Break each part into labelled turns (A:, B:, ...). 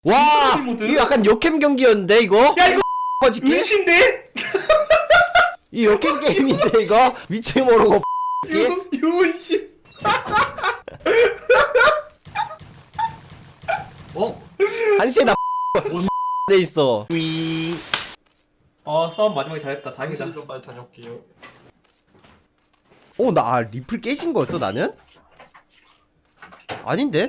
A: 와!
B: 모드?
A: 이거 약간 역캠 경기였는데 이거?
B: 야 이거
A: 꺼지기?
B: 은신데?
A: 이 역캠 게임인데 이거? 위치 모르고
B: 유은신.
C: 어?
A: 한시에 나 돼 있어.
B: 싸움 마지막에 잘했다. 다행이다.
C: 당신 좀 빨리 다녀올게요.
A: 나 리플 깨진 거였어 나는? 아닌데?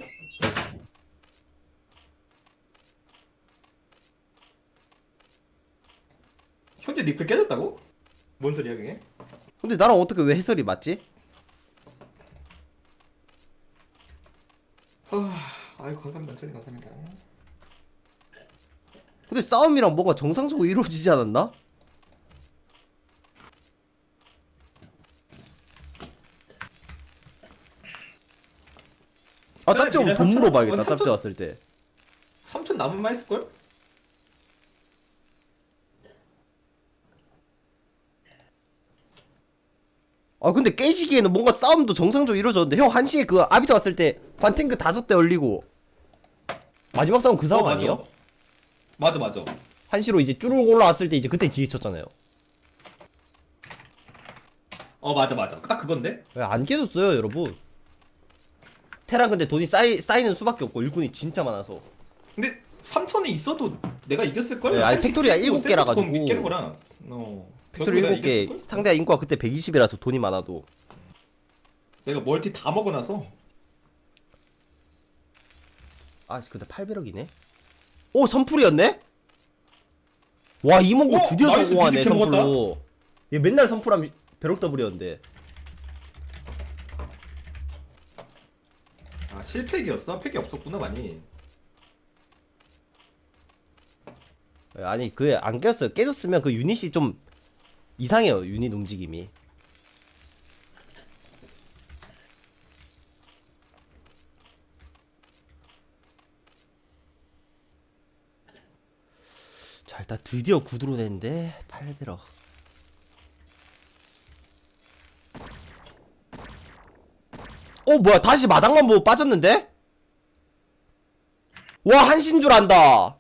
B: 현재 리플 깨졌다고? 뭔 소리야 그게?
A: 근데 나랑 어떻게 왜 해설이 맞지?
B: 아이고 감사합니다. 천님 감사합니다.
A: 근데 싸움이랑 뭔가 정상적으로 이루어지지 않았나? 아 짭지
B: 미래
A: 돈
B: 3,000?
A: 물어봐야겠다.
B: 어,
A: 짭지
B: 3,000?
A: 왔을 때.
B: 3천 남은만 했을걸?
A: 아 근데 깨지기에는 뭔가 싸움도 정상적으로 이루어졌는데 형 1시에 그 아비터 왔을 때 반탱크 5대 올리고 마지막 싸움 그 상황 아니에요?
B: 맞아.
A: 1시로 이제 쭈르륵 올라왔을 때 이제 그때 지지쳤잖아요.
B: 맞아. 딱 그건데?
A: 왜 안 깨졌어요 여러분. 테란 근데 돈이 쌓이는 수밖에 없고 일꾼이 진짜 많아서.
B: 근데 3천이 있어도 내가 이겼을걸?
A: 네, 아니, 팩토리가 7개라 가지고.
B: 깨는 거랑
A: 팩토리
B: 결국에
A: 7개
B: 이겼을걸?
A: 상대가 인구가 그때 120이라서 돈이 많아도.
B: 내가 멀티 다 먹어놔서.
A: 아 근데 800억이네? 오 선풀이었네? 와 이몽고
B: 오,
A: 드디어
B: 나이스,
A: 성공하네
B: 비비캠 먹었다.
A: 선풀로. 얘 맨날 선풀하면 벼락 더블이었는데.
B: 실팩이었어? 팩이 없었구나 많이.
A: 아니 그게 안 깼어요. 깨졌으면 그 유닛이 좀 이상해요. 유닛 움직임이. 자 일단 드디어 구두로 냈는데 800억. 뭐야 다시 마당만 보고 빠졌는데? 와 한신 줄 안다.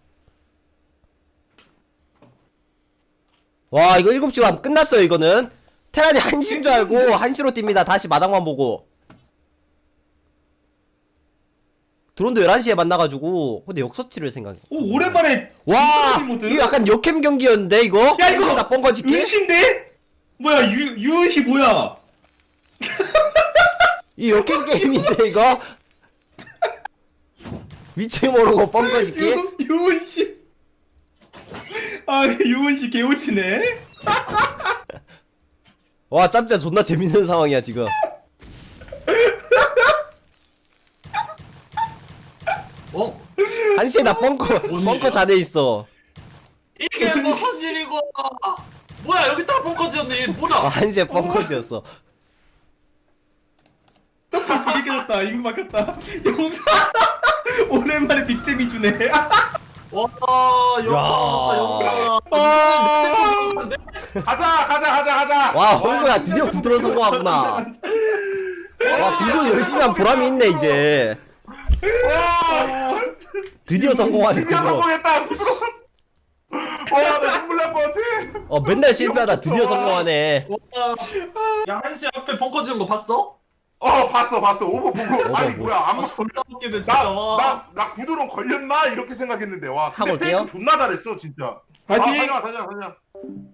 A: 와 이거 7시로 하면 끝났어요 이거는. 테란이 한신 줄 알고 한시로 뜁니다. 다시 마당만 보고. 드론도 11시에 만나가지고. 근데 역서치를 생각해.
B: 오 오랜만에
A: 와
B: 모드?
A: 이거 약간 역캠 경기였는데 이거?
B: 야 이거
A: 나쁜 거짓기?
B: 은신데? 뭐야 유은시 뭐야?
A: 이 역캠 게임인데 이거? 위치 모르고 뻥거짓기?
B: 유은시. 유은시 개오치네.
A: 와 짭짜 존나 재밌는 상황이야 지금.
C: 어?
A: 한시에 나 뻥커 자네 있어.
C: 이게 무슨 일이고? 뭐야 여기 다 벙커지였네. 뭐야?
A: 한시에 뻥커지였어.
B: 떡밥 두개 깨졌다. 이거 막혔다. 용사. 오랜만에 빅잼이 주네.
C: 와 영광.
D: 가자.
A: 와 홍구야 드디어 구드론 성공하구나. 와 구드론 열심히 한 보람이 있네 이제. 드디어 성공하네
D: 드디어
A: 구드론.
D: 성공했다. 부드러워. 나 눈물 날 것 같아.
A: 맨날 실패하다 드디어 성공하네.
C: 야 한시 앞에 벙커 지은 거 봤어?
D: 봤어. 오버 보고. 아니
A: 뭐.
D: 뭐야 안
C: 졸라 웃기네 진짜.
D: 나 구두론 걸렸나 이렇게 생각했는데 와.
A: 하고
D: 근데
A: 올게요.
D: 페이크 존나 잘했어 진짜.
B: 파이팅!
D: 다녀와.